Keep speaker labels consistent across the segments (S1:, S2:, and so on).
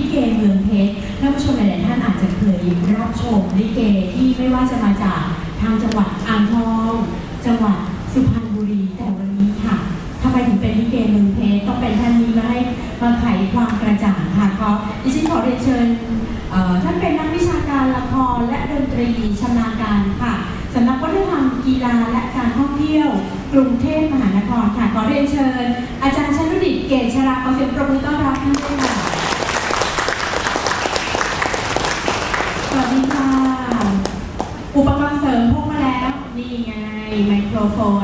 S1: เกเมืองเพชรท่านผู้ชมหลายๆท่านอาจจะเคยรับชมลิเกที่ไม่ว่าจะมาจากทางจังหวัดอ่างทองจังหวัดสุพรรณบุรีแต่วันนี้ค่ะทำไมถึงเป็นลิเกเมืองเพชรต้องเป็นท่านนี้มาไขความกระจ่างค่ะดิฉันขอเรียนเชิญท่านเป็นนักวิชาการละครและดนตรีชำนาญการค่ะสำนักวัฒนธรรมกีฬาและการท่องเที่ยวกรุงเทพมหานครค่ะขอเรียนเชิญอาจารย์ชนุดิตเกษชราขอเสียงปรบมือต้อนรับท่านด้วยค่ะสวัสดีค่ะอุปกรณ์เสริมพกมาแล้วนี่ไงไมโครโฟน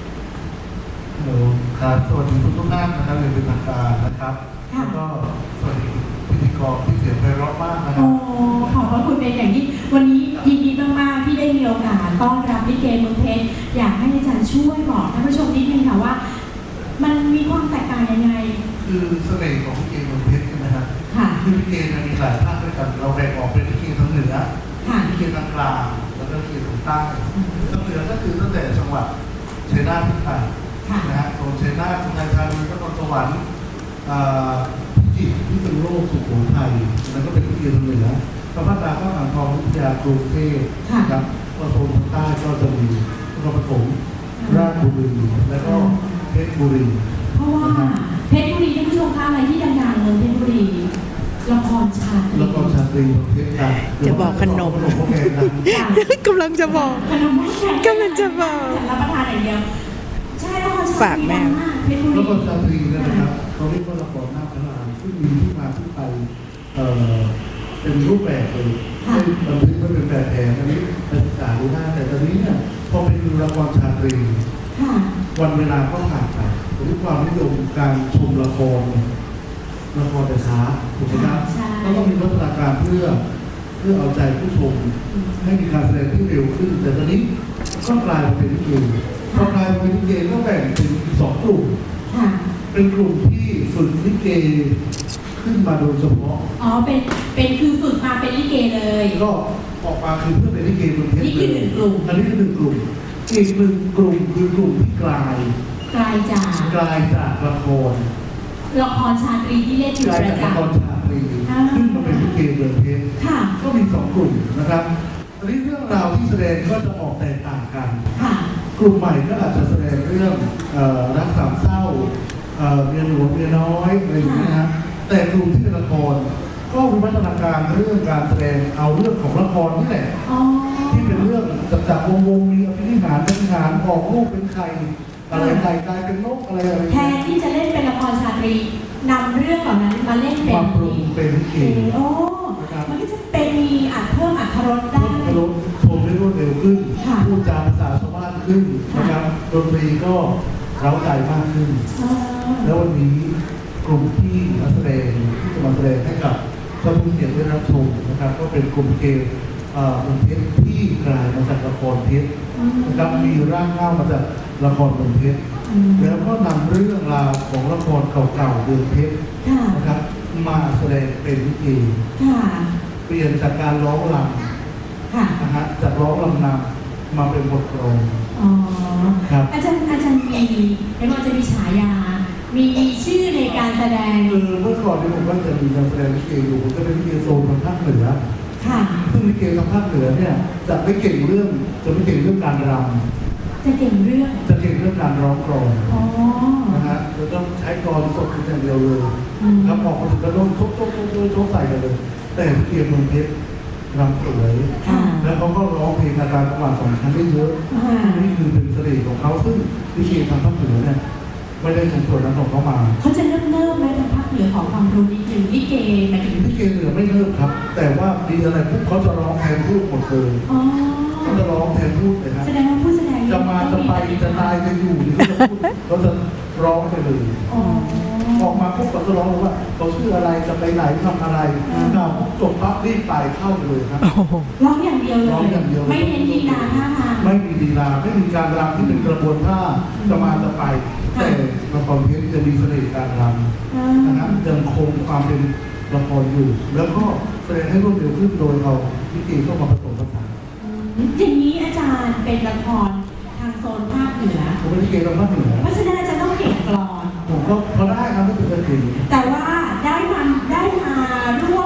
S2: ครับสวัสดีทุกท่านนะครับในเป็นทางการนะครับแล้วก็สวัสดีพิธีกรที่เสียงไพเราะมากนะครับ
S1: ขอบพระคุณเป็นอย่างยิ่งวันนี้ยินดีมากๆที่ได้มีโอกาสต้อนรับลิเกเมืองเพชรอยากให้อาจารย์ช่วยบอกท่านผู้ชมนิดนึงค่ะว่ามันมีความแตกต่างยังไง
S2: คือเสน่ห์ของลิเกเมืองเพชรใช่ไหมครับ
S1: ค่ะ
S2: คือลิเกมีหลายภาคด้วยกันเราแบ่งออกเป็นลิเกทางเหนือลิเกทางกลางแล้วก็ลิเกทางใต้ทางเหนือก็คือตั้งแต่จังหวัดชัยนาทขึ้นไปนะฮะโซนชัยนาทสุพรรณบุรีนครสวรรค์พิจิตรพิษณุโลกสุโขทัยแล้วก็เป็นลิเกทางเหนือพระพัฒนาก็อ่างทองวิทยากรุงเทพครับก็โซนทางใต้ก็จะมีนครปฐมราชบุรีแล้วก็เพชรบุรี
S1: เพราะว่าเพชรบุรีท่านผู้ชมคะอะไรที่ดังๆเลยเพชรบุรีละครชาต
S2: รีเพชรดัง
S3: จะบอกขนมกำลังจะบอกกำลังจะบอก
S1: รับประทานอย่างเดียวใช่ละครชาตรี
S3: ฝากแม่
S2: ละครชาตรีนะครับเขาเรียกว่าละครหน้าพระรามที่มีที่มาที่ไปเป็นรูปแบบเลยบันทึกไม่เป็นแบบแผนอันนี้เป็นศึกษาดูได้แต่ตอนนี้เนี่ยพอเป็นละครชาตรีวันเวลาก็ผ่านไปด้วยความนิยมการชมละครแต่ช้าถูกไหมครับก็ต้องมีพัฒนาการเพื่อเอาใจผู้ชมให้มีการแสดงที่เร็วขึ้นแต่ตอนนี้ก็กลายมาเป็นลิเกพอกลายมาเป็นลิเกก็แบ่งเป็น2 กลุ่มเป็นกลุ่มที่ฝึกลิเกขึ้นมาโดยเฉพาะ
S1: เป็นคือฝึกมาเป็นลิเกเลย
S2: ก็ออกมาคือเพื่อเป็นลิเกบนเทป
S1: นี่คือ1 กลุ่ม
S2: อันนี้คือ1 กลุ่มอีก1 กลุ่มคือกลุ่มที่กลายจากละคร
S1: ชาตรีที่เล่นอยู่ประจำ
S2: ละครชาตรีขึ้นมาเป็นลิเกเมืองเพชรก็มี2 กลุ่มนะครับอันนี้เรื่องราวที่แสดงก็จะออกแตกต่างกันกลุ่มใหม่ก็อาจจะแสดงเรื่องรักสามเศร้าเมียหลวงเมียน้อยอะไรอย่างนี้นะแต่กลุ่มที่เป็นละครก็วิวัฒนาการเรื่องการแสดงเอาเรื่องของละครนี่แหละที่เป็นเรื่องจับวงมีอภินิหารเป็นหารออกลูกเป็นไข่อะไรไก่กลายเป็นนกอะไร
S1: แทนที่จะเล่นเป็นละครชาตรีนำเรื่องเหล่านั้นมาเล่นเป็น
S2: ความปรุงเป็นลิเก
S1: มันก็จะเป็นมีเพิ่มอรรถรสได้
S2: ชมได้รวดเร็วขึ้นพูดจาภาษาชาวบ้านขึ้นนะครับดนตรีก็เร้าใจมากขึ้นแล้ววันนี้กลุ่มที่มาแสดงที่จะมาแสดงให้กับท่านผู้เกียรติได้รับชมนะครับก็เป็นกลุ่มเกมเมืองเพชรที่กลายมาจากละครเพชรนะครับมีร่างเงามาจากละครเมืองเพชรแล้วก็นำเรื่องราวของละครเก่าๆเมืองเพชรนะครับมาแสดงเป็นลิเกเปลี่ยนจากการร้องรำนะฮะจากร้องรำนำมาเป็นบทกลอน
S1: ครับอาจารย์มีไม่ว่าจะมีฉายามีชื่อในการแสดง
S2: เมื่อก่อนที่ผมก็จะมีการแสดงลิเกอยู่ผมก็เป็นลิเกโซนทางภาคเหนือซึ่งลิเกทางภาคเหนือเนี่ยจะไม่เก่งเรื่องการรำ
S1: จะเก่งเ
S2: รื่องการร้องกลอนนะฮะเราต้องใช้กลอนสดอย่างเดียวเลยครับออกมาถึงกระโดดชกใส่กันเลยแต่ลิเกเมืองเพชรรำสวยแล้วเขาก็ร้องเพลงอาการจังหวะ2 ชั้นได้เยอะนี่คือเป็นเสน่ห์ของเขาซึ่งลิเกทางภาคเหนือเนี่ยไม่ได้ส่งส่วนนั้นของเขามา
S1: เขาจะเริ่มไหมทางภาคเหนือของความรู้นิดนึงลิเกหมายถึง
S2: ลิเกเหนือไม่เริ่มครับแต่ว่ามีอะไรปุ๊บเขาจะร้องแทนพูดหมดเลยเขาจะร้องแทนพูดเลยครับ
S1: แสดงว่าผู้แสดง
S2: จะมาจะไปจะตายจะอยู่เขาจะร้องไปเลยออกมาปุ๊บเขาจะร้องเลยว่าเขาชื่ออะไรจะไปไหนทำอะไรจบปั๊บรีบไปเข้าเลยครับ
S1: ร้องอย่างเดียวเลยไม่เน้นลีลาท่าทาง
S2: ไม่มีลีลาไม่มีการรำที่เป็นกระบวนท่าจะมาจะไปแต่ละครเพชรจะมีเสน่ห์การรำนะครับยังคงความเป็นละครอยู่แล้วก็แสดงให้รวดเร็วขึ้นโดยเอาลิเกเข้ามาผสมผสาน
S1: อย่างนี้อาจารย์เป็นละครทางโซนภาคเหนือ
S2: ผมเป็นลิเกทางภาคเหนือ
S1: เพราะฉะนั้นอาจารย์ต้องเก่งกลอน
S2: ผมก็พอได้ครับไม่เป็นไร
S1: แต่ว่าได้มาร่วม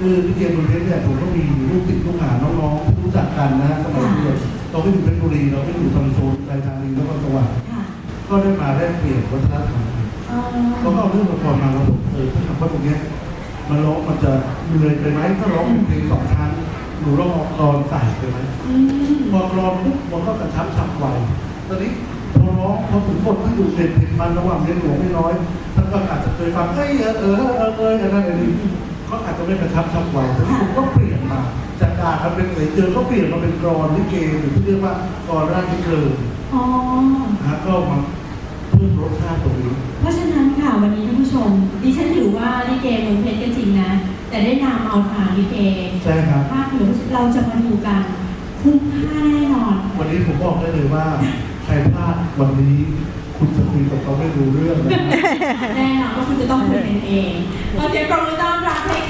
S2: คือลิเกเมืองเพชรเนี่ยผมก็มีลูกศิษย์ลูกหาน้องๆที่รู้จักกันนะสมัยเรียนเราไม่อยู่เพชรบุรีเราไม่อยู่ทางโซนไทยธานีแล้วก็จังหวัด
S1: ค่ะ
S2: ก็ได้มาแลกเปลี่ยนวัฒนธรรมกัน
S1: อ๋อ
S2: เราก็เอาเรื่องละครมาเราบอกถ้าทำว่าตรงเนี้ยมันร้องมันจะเหนื่อยไปไหมถ้าร้องเพลงสองครั้งหนูร้องออกกรอนใส่ไปไหม
S1: อืม
S2: พอกรอนปุ๊บมันก็กระชับฉับไวตอนนี้พอร้องพอถึงบทที่ดูเด่นเผ็ดมันระหว่างเรียนหลวงไม่น้อยท่านก็อาจจะเคยฟังอะไรนี่ก็อาจจะไม่กระชับฉับไวแต่ที่ผมก็เปลี่ยนมาจากด่ากันเป็นเจอก็เปลี่ยนมาเป็นกรอนลิเกหรือที่เรียกว่ากรอนราชนิเกิน
S1: อ๋อ
S2: นะก็มาเพิ่มรสชาติตรงนี้
S1: เพราะฉะนั้นค่ะวันนี้ท่านผู้ชมดิฉันถือว่าลิเกเมืองเพชรก็จริงนะ แต่ได้นำเอาทางลิเก
S2: ใช่ครับ
S1: ภาคเหนือเราจะมาดูกันคุ้มค่าแน่นอน
S2: วันนี้ผมบอกได้เลยว่าใครพลาดวันนี้คุณจะคุยกับเขาไม่รู้เรื่องนะ
S1: แน่นอนว่าคุณจะต้องคุยกันเองขอเสียงปรบมือต้อนรับให้